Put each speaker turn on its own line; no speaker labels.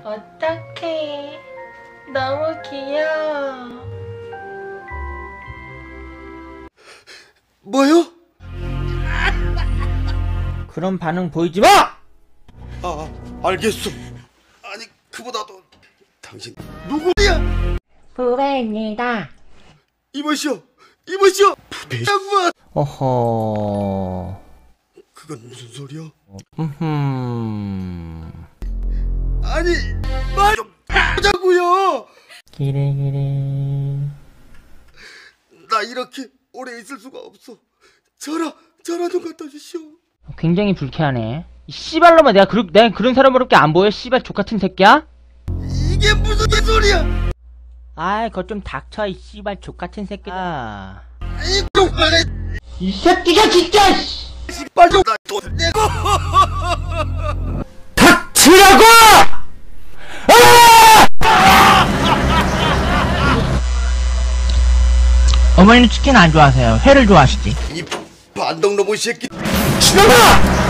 어떡해. 너무 귀여워.
뭐요?
그런 반응 보이지 마!
아, 알겠어. 아니, 그보다도 당신 누구야?
부배입니다.
이보시오, 부배 양반.
어허...
그건 무슨 소리야?
아니,
말 좀 하자고요.
기레기레...
나 이렇게 오래 있을 수가 없어. 전화 좀 갖다 주시오.
굉장히 불쾌하네. 이 씨발놈아, 내가 그런 사람으로밖에 안 보여? 씨발 족같은 새끼야?
이게 무슨 개소리야?
아이, 그거 좀 닥쳐, 이 씨발 족같은 새끼야.
이거
이 새끼가 진짜!
씨발 좀 나돈 내고.
닥치라고!
어머니는 치킨 안 좋아하세요? 회를 좋아하시지?
이 반동 로봇 새끼.
신놈아!